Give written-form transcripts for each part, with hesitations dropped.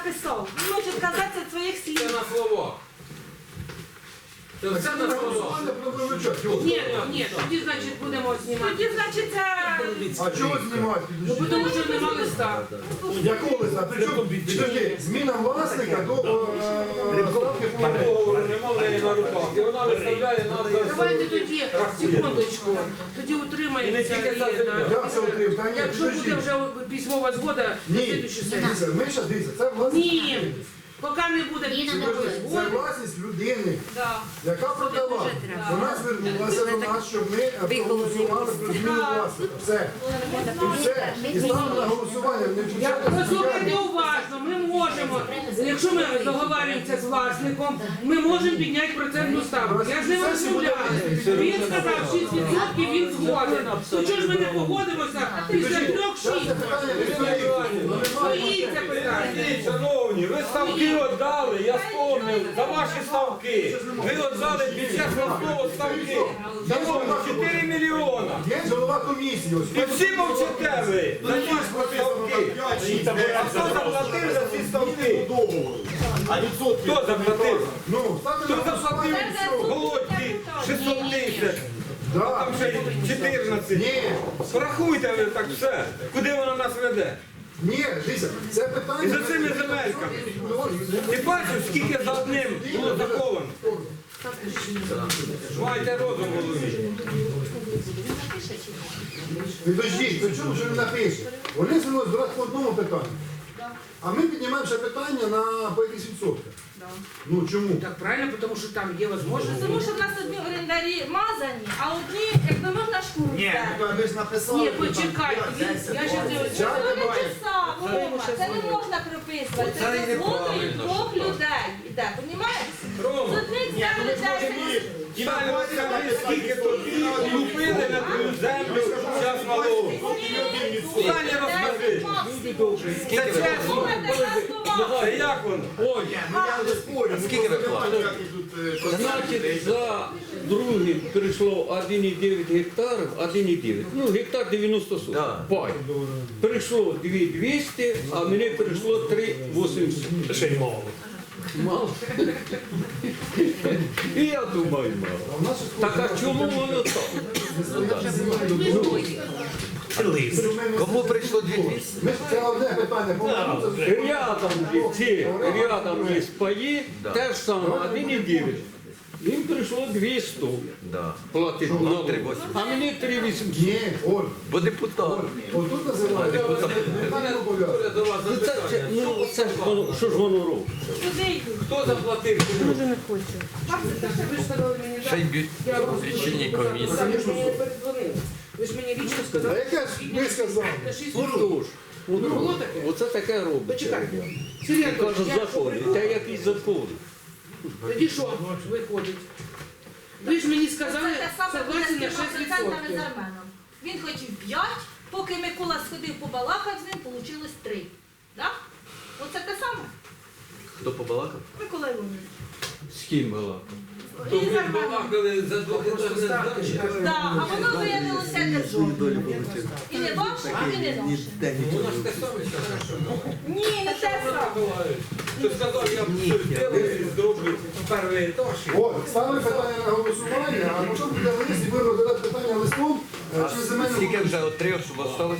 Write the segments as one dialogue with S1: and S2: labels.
S1: написав. Він може казати своїх
S2: Це
S1: слів.
S2: на словах. Це все на словах.
S3: Ні, тоді, значить, будемо знімати.
S1: Тоді, значить, це...
S4: А чого знімати?
S3: Ну, тому що нема листа.
S4: Якого листа? Причому, підожди, зміна власника до ставки по
S2: Договору нема в неї на руках. І вона виставляє нам за
S3: Давайте тоді, секундочку, тоді утримаємося.
S4: Я це отримав. Та ні,
S3: Якщо буде
S4: підожди.
S3: вже письмова згода, на
S4: Ні,
S3: слідуючу сесію.
S4: дивіться, ми зараз дивіться, це власність.
S3: Ні, поки не буде письмової
S4: Це
S3: згоди.
S4: власність людини,
S1: Да.
S4: яка продала. Вона звернулася до нас, щоб ми проголосували про зміну власника. Все. І все. І ставимо на голосування. Не включати
S3: Послухайте уважно, ми можемо, якщо ми договорюємося з власником, ми можемо підняти процентну ставку. Я ж не розмовляю. Він сказав 6%, він згоден. То чого ж ми не погодимося після 3-6? Стоїть це питання.
S2: Шановні, ви ставки віддали, я спомнив, за ваші ставки. Ви віддали під час слово ставки. Шановні, 4 мільйона.
S4: Є голова комісії. Ось.
S2: І всі мовчите ви за ці ставки. А хто заплатив за ці ставки? Хто заплатив?
S4: Ну, ставте
S2: Хто
S4: на
S2: заплатив
S4: голосування.
S2: Голодці 600 тисяч?
S4: Да.
S2: Там ще 14.
S4: Ні,
S2: Порахуйте ви так все. Куди воно нас веде?
S4: ні, дивіться, це питання...
S2: І за цими земельками. Ти бачив, скільки за одним було заховано? Майте розум в голові.
S4: Підождіть, при чому що він напише? Вони звернулися до нас по одному питанню. А ми піднімаємо ще питання на по якихось відсотках. Ну чому?
S3: Так правильно, тому що там є можливість.
S1: Тому що в нас одні орендарі мазані, а одні, якби можна шкуру взяти.
S5: Ви ж написали.
S3: Ні, почекайте, я ще не
S1: Це не часа, Вова, це не можна прописувати. Це згодою двох людей іде, понімаєш? З
S2: Рома,
S1: одних взяли 10.
S2: Далі розкажи, скільки тобі купили на твою землю час малого. Далі розкажи. Це чесно. Це як воно?
S5: Ой, я не спорю.
S6: Скільки ви платите?
S5: Значить,
S6: За другим перейшло 1,9 гектарів, 1,9. Ну, гектар 90 соток.
S2: Да.
S6: Пай. Перейшло 2,200, а мені перейшло 3,800.
S5: ще й мало.
S6: Мало. І я думаю, мало.
S4: А в нас ще
S6: Так а чому воно так? Кому прийшло 200?
S4: Ми ж це одне питання, по-моєму, це
S6: Рядом є паї, те ж саме, 1,9. Їм прийшло 200 платити налог. А мені 3,800.
S4: Ні, Оль,
S6: Бо депутат.
S4: отут називають. Не обов'язково.
S2: До вас
S6: Ну це ж воно, що ж воно робить?
S1: Туди йдуть.
S2: Хто заплатив?
S3: Ви ж сказали мені,
S6: Ще й лічильні комісії.
S3: ви ж мені не передзвонили. Ви ж мені лічно
S4: А
S3: сказали,
S4: яке ж ви сказали?
S3: що 6%.
S6: Отож,
S3: Було таке?
S6: оце таке робить.
S3: Почекайте.
S6: І
S3: Сергій
S6: кажуть,
S3: Анатолійович, я
S6: закони. Та якісь закони.
S3: тоді що виходить? Ви ж мені сказали,
S1: Це те саме буде
S3: согласен
S1: з
S3: на
S1: 3%
S3: 6%.
S1: з Арменом. Він хотів 5, поки Микола сходив побалакав з ним, вийшло 3. Так? Оце те саме.
S6: Хто побалакав?
S1: Микола Іванович.
S6: З ким балакав?
S2: То
S1: І з
S2: ви
S1: Арменом.
S2: балакали за двохетажне здання.
S1: Да, а воно виявилося державне. І не ваше, і не наше.
S2: Вона ж те саме зараз.
S1: Ні, не те саме.
S2: Ти сказав, я зроблю перший етаж.
S4: От, ставили питання на голосування, а потім буде лист і будемо розглядати питання листом через земельну
S6: Скільки
S4: комісію.
S6: вже от 3, щоб осталось?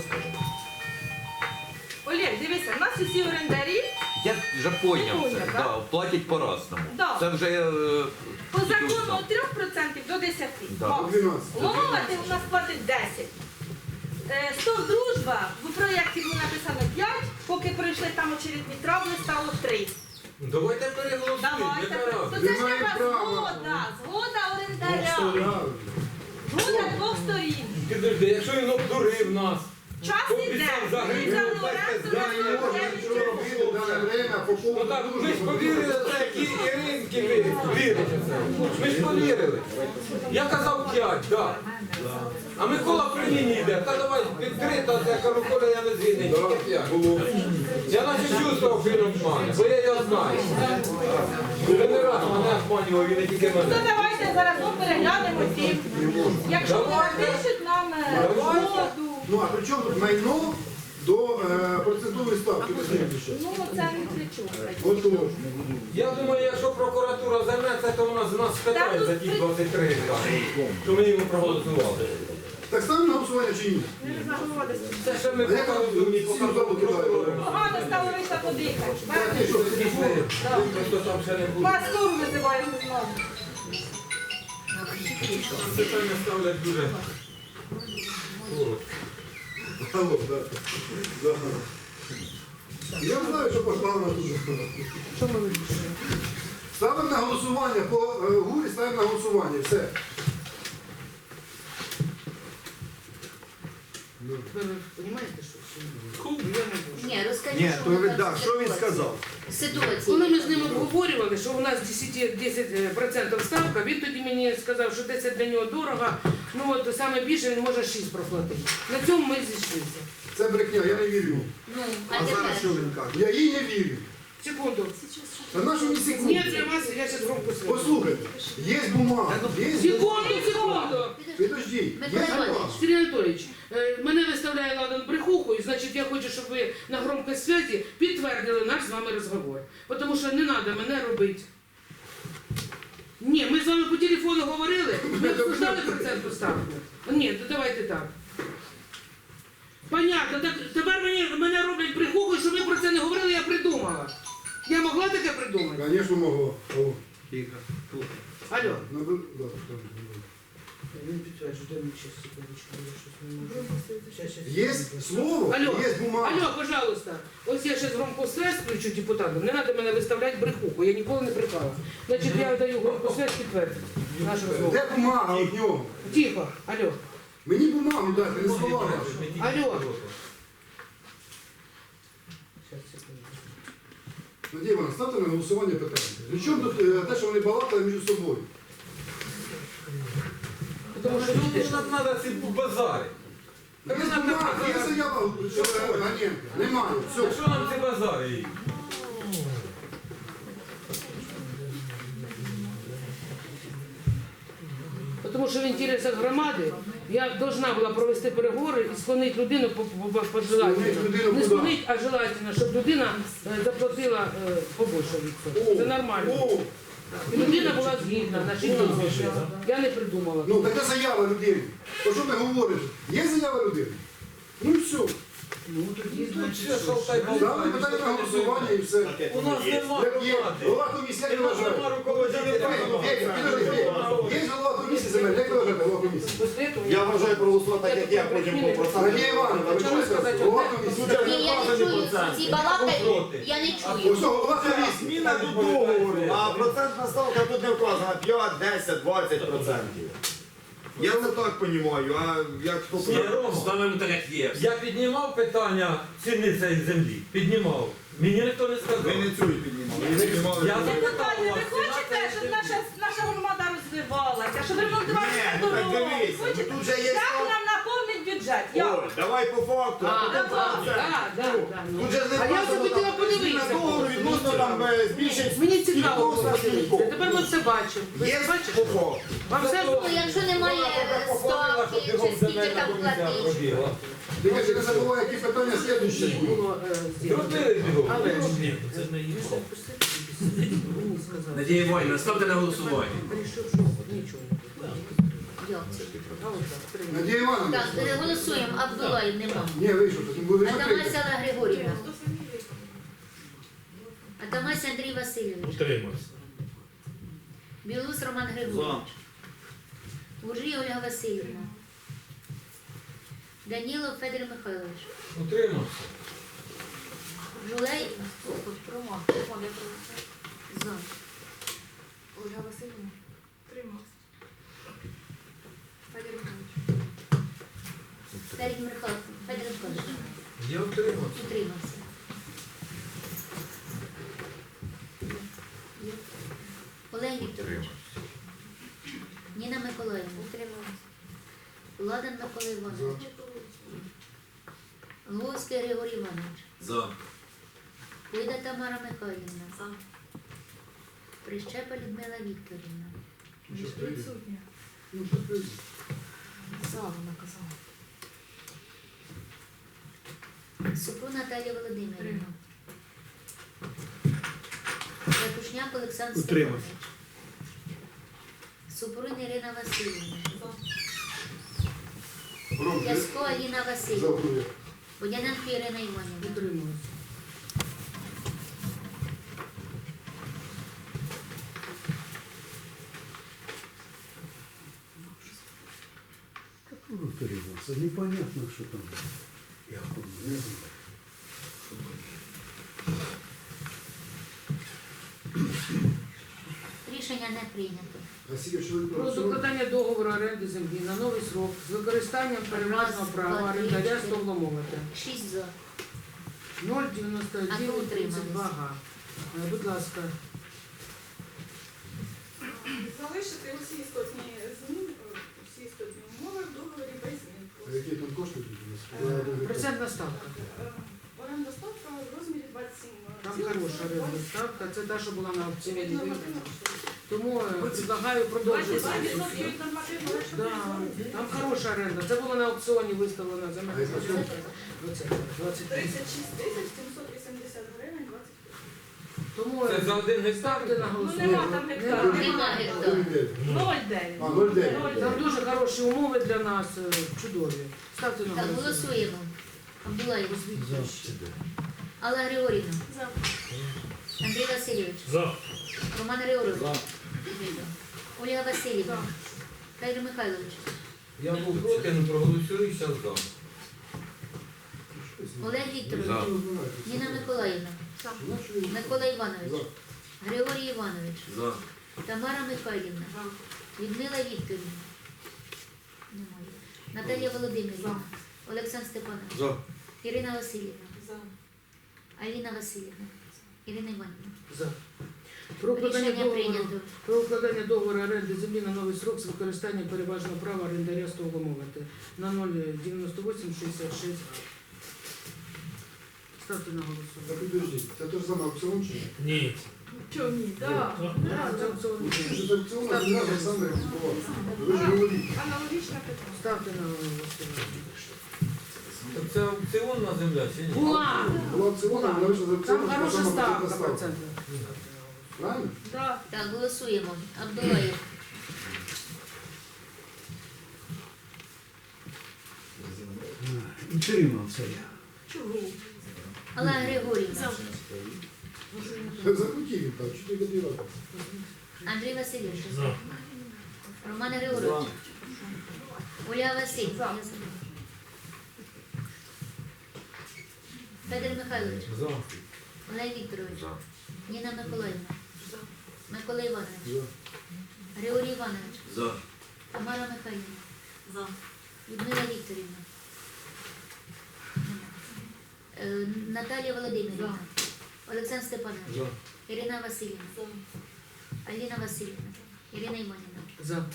S1: Олег, дивися, у нас усі орендарі
S6: Я вже поняв
S1: Поняв,
S6: це.
S1: так?
S6: Да, платять по-разному.
S1: Да.
S6: Це вже...
S1: по закону від 3% до 10.
S6: Да.
S1: Максимум.
S4: 12.
S1: Ломовати у нас платить 10. Стов дружба, в проєкті було написано 5, поки пройшли там очередні травли, стало 3.
S2: Давайте переголосуємо.
S1: Давайте.
S2: яка
S1: То
S2: разниця?
S1: це ж
S4: Немає
S1: треба
S4: права.
S1: згода орендаря.
S4: Правильно.
S1: Згода двох сторін.
S2: Підожди, якщо він обдурив нас.
S1: Час іде.
S2: Обіцяв за гривню,
S1: Взяли
S2: дайте
S1: оренду на
S4: Може, нічого робити, дане время, по
S2: Ну
S4: поводу
S2: так, ми ж
S4: дружби.
S2: повірили в це, які Іринки ви вірите в це. Ми ж повірили. Я казав 5, так. А Микола при мені йде. Та давай відкрито, я кажу, Коля, я не згідний, тільки 5. Я наче чувствував, що він обмане, бо я його знаю. Вже не раз мене обманював, він не тільки
S1: То
S2: мене.
S1: давайте зараз ми переглянемо ті. Якщо вони напишуть нам згоду.
S4: Ну, а при чому тут майно до процентової ставки.
S1: Ну, це не кричу.
S4: Отож.
S2: Я думаю, якщо прокуратура займеться, то вона з нас спитає за ті 23 гектари, що ми йому проголосували.
S4: Так ставимо на голосування чи ні?
S2: Це ще ми поки розумні, поки прокуратура.
S1: Погано стало вийшла подихати.
S4: Так, і що,
S2: Пішли, ніхто там ще не буде.
S1: Пастору визиваємо знову.
S2: Питання ставлять дуже коротко.
S4: Алло, да. Да. Я знаю, що пошла вона дуже.
S3: Що ми вирішуємо?
S4: Ставимо на голосування, по гурі ставимо на голосування, все.
S3: Ви розумієте, що я не можу.
S7: Ні, розкажіть,
S5: Ні,
S7: що
S5: то
S7: ви
S5: ви,
S7: там
S5: да, що він сказав?
S3: Коли
S7: Ситуація.
S3: ми з ним обговорювали, що у нас 10% ставка, він тоді мені сказав, що 10 для нього дорого, ну от саме більше він може 6 проплатити. На цьому ми зійшлися.
S4: Це брехня, я не вірю.
S7: Ну,
S5: А зараз що він каже?
S4: Я їй не вірю.
S3: Секунду.
S4: Та на що мені
S3: Ні,
S4: секунду?
S3: для вас я зараз громко свою.
S4: Послухайте, є бумага, є...
S3: Секунду.
S4: Підожди, є
S7: Микола
S4: бумага.
S7: Іванович.
S3: Сергій Анатолійович, мене виставляє ладан брехухою, значить я хочу, щоб ви на громкій святі підтвердили наш з вами розговор. Тому що не треба мене робити. Ні, ми з вами по телефону говорили, ми обсуждали процентну ставку. Ні, то давайте так. Понятно, так тепер мене роблять брехухою, що ми про це не говорили, я придумала. Я могла таке придумати?
S4: Звісно, могла. Алло.
S5: Тихо.
S3: Алло.
S4: Ну, да, да.
S3: Він підтверджує, дай мені ще секундочку, я щось не можу. Щас.
S4: Є слово,
S3: Алло,
S4: є бумага.
S3: алло, пожалуйста. Ось я зараз громку связь включу депутатам. Не треба мене виставляти брехуху, я ніколи не брехала. Значить, я даю громку связь підтвердити наш розмову.
S4: Де бумага від нього?
S3: Тихо, алло.
S4: Мені бумагу дайте, не слова.
S3: Алло. Щас, секунду.
S4: Надія Івановна, ставте на голосування питання. При чому тут те, що вони балакали між собою?
S3: Тому що
S2: Ну,
S3: люди ж-
S2: нам треба ці базари.
S4: Є бумага, є заява Ганенка. Немає, все.
S2: Що нам ці базари?
S3: Тому що в інтересах громади я должна була провести переговори і склонити людину по желательно.
S4: Склонити людину
S3: Не
S4: куди?
S3: склонити, а желательно, щоб людина заплатила побольше відсоток. Це нормально.
S4: О,
S3: І людина була згідна, на 6 тисяч. Я не придумала.
S4: ну така заява людини. То що ми говоримо? Є заява людини? Ну і все. Ставимо питання на голосування і все.
S2: У нас немає
S4: Як є
S2: громади.
S4: голова комісії, як ви
S2: У нас
S4: вважаєте?
S2: немає руководителя.
S4: Є голова комісії земель, як ви вважаєте, голова комісії?
S3: Після цього
S5: Я вважаю проголосувати так, як я, потім по проценту.
S4: Надія Івановна, ви чули сказати? Голова комісії.
S7: Ні, я не чую ці балакають, я не чую.
S4: Ось голова комісії.
S5: Зміна до договору, а процентна ставка тут не вказана 5, 10, 20%. Я це так розумію, а як хто
S2: Ні, Рома,
S8: Ставимо так, як є.
S2: я піднімав питання ціни цієї землі. Піднімав. Мені ніхто не сказав.
S5: ви не цю піднімали. Ви піднімали
S2: Я
S5: цю.
S2: запитав у
S1: Ви
S2: вас,
S1: хочете, щоб наша громада розвивалася, щоб ремонтувалися
S5: Ні, ну так
S1: дороги?
S5: дивися, ну
S1: Хочете?
S5: тут же є
S1: Як
S5: факт.
S1: нам наповнить бюджет? Як?
S5: Ой, давай по факту.
S3: А,
S5: потім процент.
S3: ну.
S5: Тут же не
S3: А я
S5: вказано,
S3: захотіла
S5: там,
S3: подивитися.
S5: зміна договору відносно там збільшить
S3: Мені цікаво
S5: кількох
S3: було
S5: працівників.
S3: подивитися. Тепер ми все бачимо. Ви
S5: Є
S3: все бачите?
S5: по факту.
S3: Вам все
S7: Ну, якщо немає ставки, чи скільки там платить.
S2: пробігла.
S4: Тільки ж не забувай, які питання слідуючі будуть.
S3: було зроблено.
S2: Зробили бігом.
S3: Але ж
S8: Ні,
S3: це не є. Мені сказали.
S8: Надія Іванівна, ставте на голосування.
S3: Вирішив, що нічого не буде.
S7: Як це?
S3: А от так, прийняли.
S4: Надія Івановна.
S7: Так, голосуємо. Абдулаєв нема.
S4: Ні, вийшов, потім буде
S7: Атамась
S4: закрити.
S7: Алла Григорівна. Атамась Андрій Васильович.
S8: Утримався.
S7: Білус Роман Григорович. Гуржій Ольга Васильівна. Данілов Федір Михайлович.
S2: Утримався.
S7: Жулей. За.
S9: Ольга Васильівна. Тримався. Федір Михайлович.
S7: Федір Михайлович.
S2: Я утримався.
S7: Утримався. Олег Вікторович. Ніна Миколаївна. Утримався. Ладан Микола Іванович. Луцький Григорій Іванович.
S8: За.
S7: Пойда Тамара Михайлівна. За. Прищепа Людмила Вікторівна.
S9: Відсутня.
S4: Ну, що ти?
S9: За, вона казала.
S7: Супрун Наталія Володимирівна. Ракушняк Олександр Степанович. Супрун Ірина Васильівна. Ясько Аліна Васильівна. Водяненко Ірина Іванівна.
S3: Утримуюсь.
S4: Це непонятно, що там. Я не знаю.
S7: Рішення не прийнято.
S4: А скільки ж ви
S3: Про докладання договору оренди землі на новий срок з використанням переважного права орендаря стовломовити.
S7: 6 за.
S3: 0,9932 га. Будь ласка.
S9: Залишити усі істотні зміни, усі істотні умови в договорі без змін.
S4: А які там кошти тут у нас?
S3: Процентна ставка.
S9: Оренда ставка в розмірі 27.
S3: Там хороша орендна ставка. Це та, що була на аукціоні. Тому предлагаю продовжити.
S1: 22% від нормативного.
S3: Да, там хороша оренда. Це було на аукціоні виставлено за мене.
S9: 36 тисяч 780 гривень 20
S3: Тому
S2: Це за один гектар?
S3: ставте на
S1: Ну нема
S3: голосування.
S1: там гектару.
S7: Нема гектару.
S1: 0,9.
S4: А, 0,9.
S3: Там дуже хороші умови для нас, чудові. Ставте на
S7: Так,
S3: голосування.
S7: голосуємо. Абдулаєв. Алла Григорівна.
S9: За.
S7: Андрій Васильович. Роман Григорович. Ольга Васильівна. Федір Михайлович.
S2: Я був проти, але проголосую, зараз за.
S7: Олег Вікторович. Ніна Миколаївна. Микола Іванович. Григорій Іванович.
S8: За.
S7: Тамара Михайлівна. Людмила Вікторівна. Немає. Наталія Володимирівна. Олександр Степанович. Ірина Васильівна. Аліна Васильівна. Ірина Іванівна.
S3: За. Про укладання
S7: Рішення
S3: договору.
S7: прийнято.
S3: Про укладання договору оренди землі на новий срок з використанням переважного права орендаря стовломовити на 0,9866. Ставте на голосування.
S4: Так підождіть, це те ж саме аукціон чи ні?
S9: Ні. Чого ні? Так.
S3: Це аукціон.
S4: Що це аукціон, а не Олександр Іванович. Ви ж говорите.
S9: Аналогічне питання.
S3: Ставте на голосування.
S2: Так це аукціонна земля чи ні?
S3: Була!
S4: Була аукціон, а вона вийшла з
S3: Там
S4: аукціону, така
S3: хороша
S4: сама
S3: ставка
S4: процентна ставка.
S3: процентна.
S4: Правильно?
S1: Да.
S7: Так, голосуємо. Абдулаєв.
S4: Утримався я.
S1: Чого?
S7: Алла Григорівна.
S4: Захотів він там, що ти годила?
S7: Андрій Васильович. Роман Григорович. Ольга Васильівна. Федір Михайлович.
S2: За.
S7: Олег Вікторович. Ніна Миколаївна. Микола Іванович. Григорій Іванович.
S8: За.
S7: Тамара Михайлівна. Людмила Вікторівна. Наталія Володимирівна. Олександр Степанович. Ірина Васильівна. Аліна Васильівна. Ірина Іванівна.
S3: За.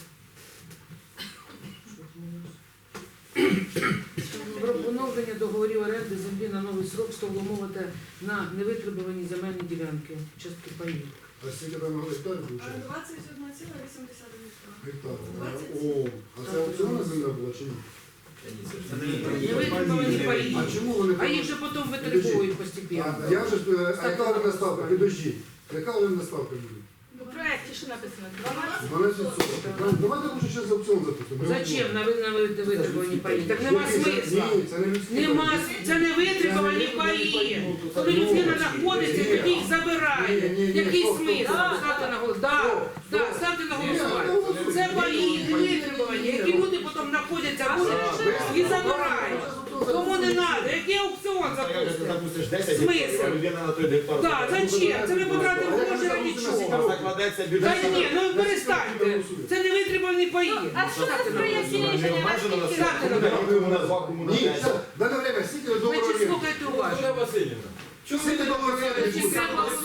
S3: Про поновлення договорів оренди землі на новий срок стовломовити на невитребувані земельні ділянки, частки паїв.
S4: А скільки там гектар виходить?
S9: 21,8
S4: Гектар. О, а це аукціонна земля була чи ні?
S3: Невитребувані паї.
S4: А чому вони
S3: А їх же потім витребують постійно.
S4: А я вже, а яка орендна ставка? Підождіть. Яка орендна ставка буде?
S1: У проєкті що написано?
S4: 12%. Давайте лучше ще з аукціон запустимо.
S3: Зачем на витребувані паї? Так нема смисла.
S4: Ні, це не людські
S3: Нема,
S4: паї.
S3: це не витребувані паї. Коли людина знаходиться, тоді їх забирає. Який смисл? Ставте на голосування. Да, ставте на голосування. Це паї не витребувані, які люди потім знаходяться і забирають. Тому не треба. Який аукціон запустити?
S5: Запустиш 10
S3: Смисл?
S5: гектарів, а людина на той гектар.
S3: Так, зачем? Це ми потратимо гроші раді
S5: Там
S3: чого?
S5: закладеться
S3: Та
S5: бюджет.
S3: ні, ну перестаньте. Це не витребувані паї.
S1: А що це в проєкті
S5: Не
S1: рішення?
S5: обмежено на
S1: Наскільки?
S3: Ставте на
S5: Куди на 2, кому на
S4: Ні,
S5: 5.
S4: все, дане время, скільки ви
S3: Ви
S4: договору
S3: чи
S4: оренди?
S3: слухайте уважно?
S2: Ольга Васильівна. Чому ви
S4: Скільки
S2: не
S4: договору
S2: написали?
S4: оренди буде?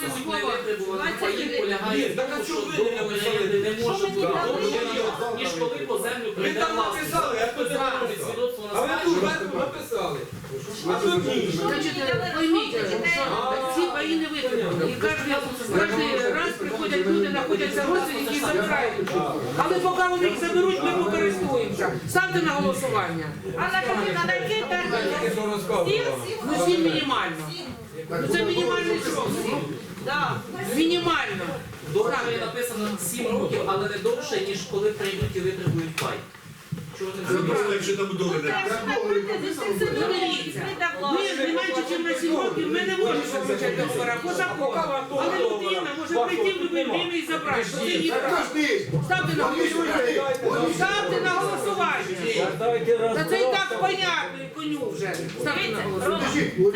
S2: Ні, так а чому ви не написали?
S8: Не може бути.
S1: Так,
S8: Тому
S5: ну,
S8: ніж коли по землю
S2: Ви
S8: прийде
S2: там
S8: власник.
S2: написали, а хто не написав?
S8: Свідоцтво
S2: А
S8: на
S2: ви тут
S8: спадщину.
S2: зверху написали.
S4: А
S2: А тут ні.
S3: Значить, пойміть, що ці паї не витребувані. І кожен раз приходить приходять люди, знаходяться родственники і забирають. Але поки вони їх заберуть, ми покористуємося. Ставте на голосування.
S1: Анна Катерина, на який термін?
S2: Тільки що розказувала.
S3: Ну 7 мінімально. Ну це мінімальний срок.
S1: Да.
S3: Мінімально.
S8: В договорі написано 7 років, але не довше, ніж коли прийдуть і витребують пай. Чого ти не
S9: Якщо там договір.
S3: Дивіться, ми не менше, ніж на 7 років, ми не можемо заключати договора по закону. Але людина може прийти в будь-яке время і забрати. Це її право. Ставте на голосування. Ставте на голосування. Та це і так понятно, і коню вже. Ставте на голосування.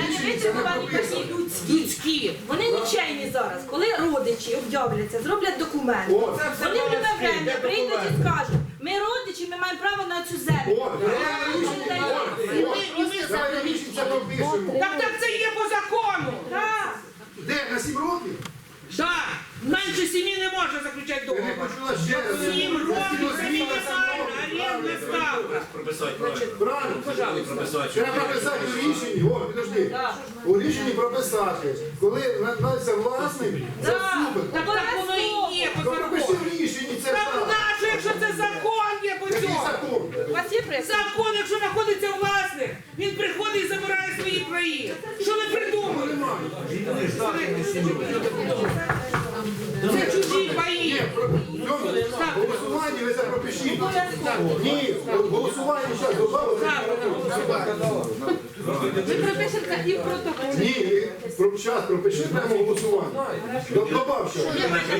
S3: Людські.
S1: Вони нічейні зараз. Коли родичі об'являться, зроблять документи. Вони в тебе время прийдуть і скажуть, ми родичі, ми маємо право на цю землю.
S4: Давайте рішення пропишемо.
S3: Так це є по закону.
S1: Так.
S4: Де, на 7 років?
S3: Так, менше 7 не можна заключати
S4: Я не
S3: договор.
S4: почула ще раз.
S3: 7 років це мінімальна орендна ставка.
S9: Прописати правильно.
S4: Правильно.
S3: Пожалуйста.
S9: Прописати.
S4: Треба прописати у рішенні, о, підожди. У рішенні прописати, коли надається власник, це супер.
S3: Так воно і є по
S4: То пропиши
S3: закону.
S4: в рішенні, це
S3: Так
S4: так.
S3: нащо, якщо це закон є по
S4: Який
S3: цьому?
S4: закон?
S1: У вас є приклад?
S3: Закон, якщо знаходиться власник, він приходить і забирає свої краї. Що ви придумали? Це чужі паї.
S4: Голосування ви це пропишіть. Ні, голосування зараз добавили.
S1: Ви пропишете і в протоколі.
S4: Ні, зараз пропиши прямо голосування. Добав ще.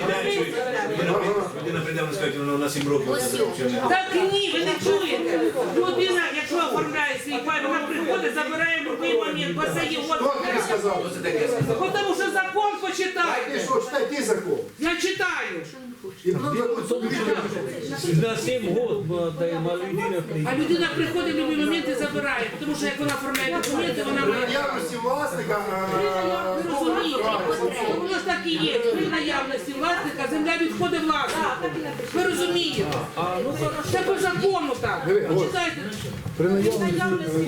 S9: Людина прийде, вона скаже, вона на 7 років.
S3: Так ні, ви не чуєте. Людина, якщо оформляє свій пай, вона приходить, забирає в будь-який момент, бо це є
S4: Хто тобі сказав?
S3: Тому що закон
S4: Ти
S3: почитайте.
S4: що, читай ти закон.
S3: Я читаю.
S4: І потім закон собі
S6: На 7 років даємо, а людина
S3: А людина приходить в будь-який момент і забирає, тому що як вона оформляє документи, вона
S4: при
S3: має.
S4: наявності власника.
S3: Ви розумієте? Воно ж так і є. При наявності власника земля відходить власнику. Ви розумієте? Це по закону так. Читайте.
S4: При наявності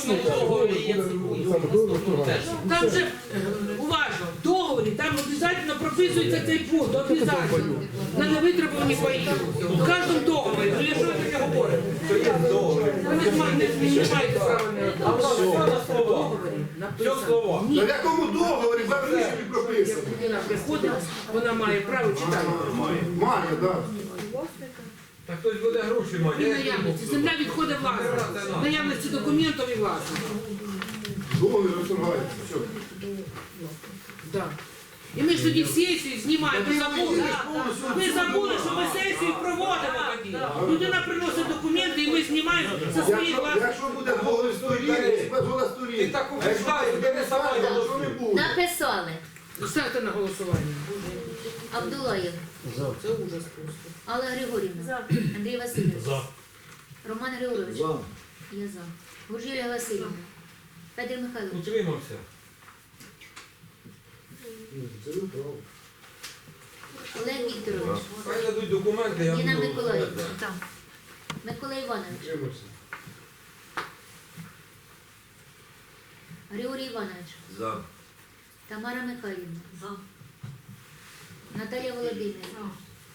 S3: Там же, уважно, в договорі, там обов'язково прописується цей пункт, обов'язково. На невитребувані паї. В кожному договорі. Ну, я що ви таке говорите? Ви не маєте права не договорі.
S2: Що слова?
S4: На якому договорі в рішенні прописано?
S3: Людина приходить, вона має право читати.
S4: Має, так.
S2: Так хтось буде гроші
S3: При
S2: мати.
S3: наявності. Земля відходить власнику. В наявності документів і власнику.
S4: Договір розторгається. Все.
S3: Да. І ми ж тоді сесію знімаємо, ми забули. Ми забули, що ми сесію проводимо тоді. Людина приносить документи і ми знімаємо за свої власні.
S4: Якщо буде договір сторін, згода
S2: Ти
S4: сторін.
S2: таку
S4: А якщо
S2: писаєш,
S4: буде
S2: бери сама
S4: не
S2: його.
S4: що не буде.
S7: Написали.
S3: Ставте на голосування.
S7: Абдулаєв.
S3: Це ужас просто.
S7: Алла Григорівна. Андрій Васильович. Роман Григорович. Я за. Гуржія Васильівна. Федір Михайлович.
S2: Утримався.
S4: Це ви право.
S7: Олег Вікторович.
S2: Хай дадуть документи, я
S7: Ніна
S2: буду.
S7: Миколаївна. Микола Іванович.
S4: Тримався.
S7: Григорій Іванович.
S9: За.
S7: Тамара Михайлівна. Наталія Володимирівна.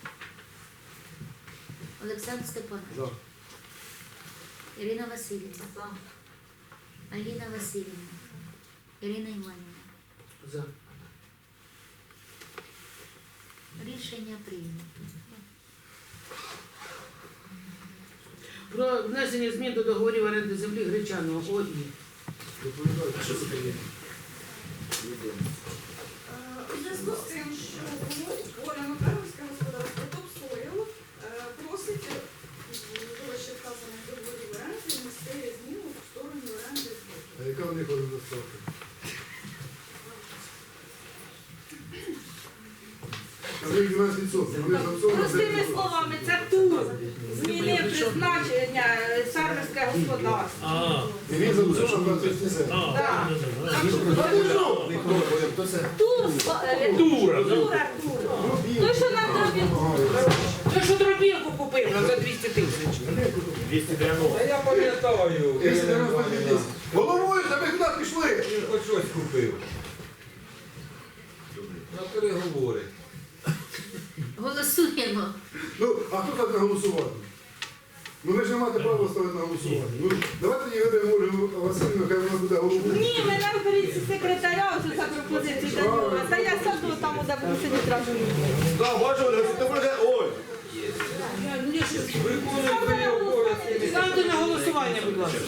S7: Олександр Степанович.
S4: За.
S7: Ірина Васильівна. Аліна Васильівна. Ірина Іванівна.
S3: За.
S7: Рішення прийнято.
S3: Про внесення змін до договорів оренди землі Гречаного ОІ.
S9: У зв'язку з тим, що Оля Макаровська господарство «Топсойл» просить вище вказаних договорів оренди внести зміну в сторону оренди збуту.
S4: А яка в них оренда ставка? А в них 12%. Вони за
S1: Простими словами, це тур. Змінив призначення фермерське господарство.
S4: І він за 20%.
S1: Так.
S4: А ти що?
S1: Тур. Тура. Той, що нам зробив.
S3: Той, що дробілку купив за 200 тисяч.
S2: Та я пам'ятаю.
S4: 292 тисяч. Головою, та ми куди пішли?
S2: Він хоч щось купив. На переговори.
S7: Голосуємо.
S4: Ну, а хто так не голосувати? Ну ви ж не маєте права ставити на голосування. Ну, давайте Ігорю Ольгу Васильівну, хай вона буде головою.
S1: Ні, ми нам беріть секретаря, ось за пропозицію до нього. Та я сяду там, де буду сидіти разом.
S5: Да, бачу, Ольга, ти буде, ой.
S2: Виконуй свої обов'язки.
S3: Ставте на голосування, будь ласка.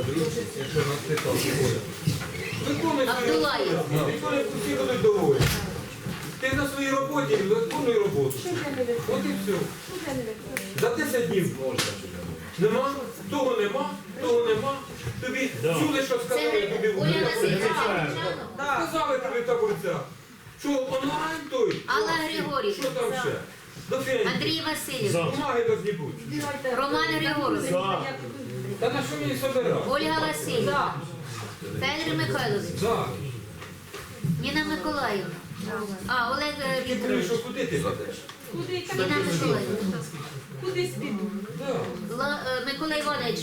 S2: Виконуй свої
S7: Абдулаєв.
S2: обов'язки. Виконуй, всі будуть доволі. Ти на своїй роботі виконуй роботу. От і все. За 10 днів можна. Нема? Того нема, того нема. Тобі чули, що сказали тобі в
S7: Оля Васильівна.
S2: Сказали тобі в таборцях. Що онлайн той?
S7: Алла Григорівна.
S2: Що там ще? До фінансів.
S7: Андрій Васильович.
S2: Бумаги должні бути.
S7: Роман Григорович.
S2: Та на що мені собирати?
S7: Ольга Васильівна. Федір Михайлович.
S2: Так.
S7: Ніна Миколаївна. А, Олег
S2: Ти
S7: Вікторович.
S2: прийшов, куди ти ведеш?
S1: Куди
S7: Ніна Миколаївна.
S1: Кудись піду.
S2: Так.
S7: Микола Іванович.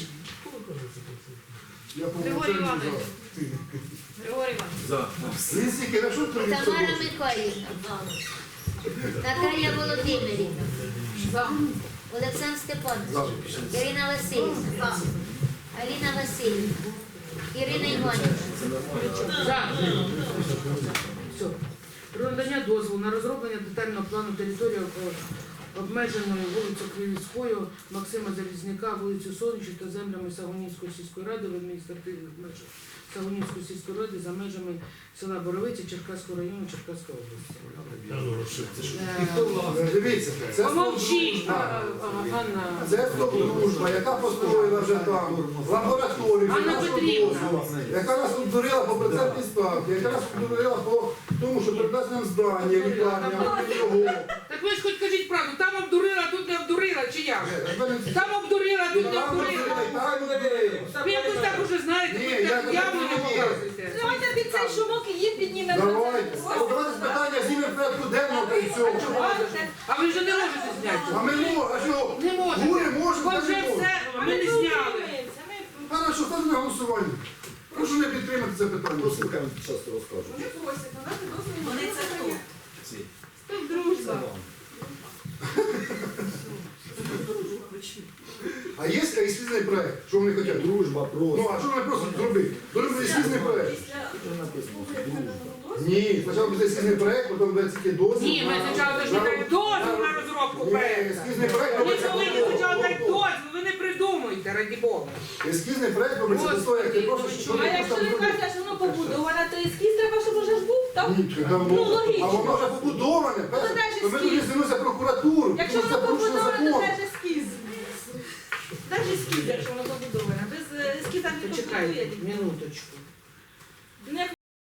S4: Я по
S1: Григорій
S4: умовчанню
S1: Іванович.
S4: за.
S1: Григорій Іванович.
S4: Лисики, на що ти мені
S7: Тамара
S4: собою?
S7: Миколаївна. Наталія Володимирівна. Олександр Степанович. Ірина Васильівна. Аліна Васильівна. Ірина Іванівна.
S3: За. Все. Про надання дозволу на розроблення детального плану території обмеженої вулицею Кривівською Максима Залізняка, вулицю Сонячну та землями Сагунівської сільської ради в адміністративних межах Сагунівської сільської ради за межами села Боровиця Черкаського району Черкаської області.
S4: Дивіться, це
S3: Помовчіть,
S4: дружба.
S3: Ганна.
S4: Це дружба, яка построїла вже там лабораторію,
S3: Анна
S4: яка
S3: Петрівна.
S4: яка нас обдурила по процентній ставці, яка нас обдурила по тому, що передасть нам здання, лікарня, його.
S3: Так ви ж хоч кажіть правду, там обдурила, тут не обдурила, чи як? Там обдурила, тут не обдурила. Ви якось так уже знаєте,
S4: Ні,
S3: ви так
S4: я
S3: явно не
S4: так не
S3: показуєте.
S1: Давайте під цей шумок і їм піднімемо.
S4: Давайте. Давайте питання знімемо в порядку денного та й все.
S3: А ви вже не можете зняти.
S4: А ми можемо, а що?
S3: Не можете.
S4: Гури можемо,
S3: Бо
S4: та
S3: вже
S4: не можемо.
S3: все, ми не зняли.
S4: Хорошо, ставте на голосування. Прошу не підтримати це питання.
S5: Послухаємо, часто розкажу.
S9: Вони просять надати дозвіл на
S1: Вони це хто?
S9: виконання.
S1: Стоп, дружба.
S4: А є ескізний проект? Що вони хочуть?
S5: Дружба
S4: Ну,
S5: просто.
S4: а що вони просять зробити? Зробити ескізний проект.
S9: Після
S4: Ні, спочатку буде ескізний проект, потім буде тільки дозвіл.
S3: Ні, ми спочатку ж даємо дозвіл на розробку
S4: Ні,
S3: проєкту.
S4: ескізний проект
S3: Ви
S4: робиться
S3: повинні
S4: по
S3: спочатку дати
S4: дозволу.
S3: дозвіл, ви не придумуйте, раді Бога.
S4: Ескізний проект робиться по
S3: Господи,
S4: як ти просиш,
S3: ну
S4: що
S1: А
S4: ти
S1: якщо
S4: просто
S1: ви
S4: зробити.
S1: кажете, що воно побудоване, то ескіз треба, щоб уже ж був, так?
S4: Ні, там
S1: Ну,
S4: було.
S1: логічно.
S4: А воно вже побудоване.
S1: Ну, де ж
S4: То ми
S1: ескіз?
S4: тоді звернемося в прокуратуру,
S1: Якщо
S4: тому що
S1: воно
S4: це порушення
S1: побудоване, то
S4: закону.
S1: де ж ескіз? Де ж ескіз, якщо воно побудоване? Без ескіза не
S3: Почекайте,
S1: побудує.
S3: минуточку.
S1: Не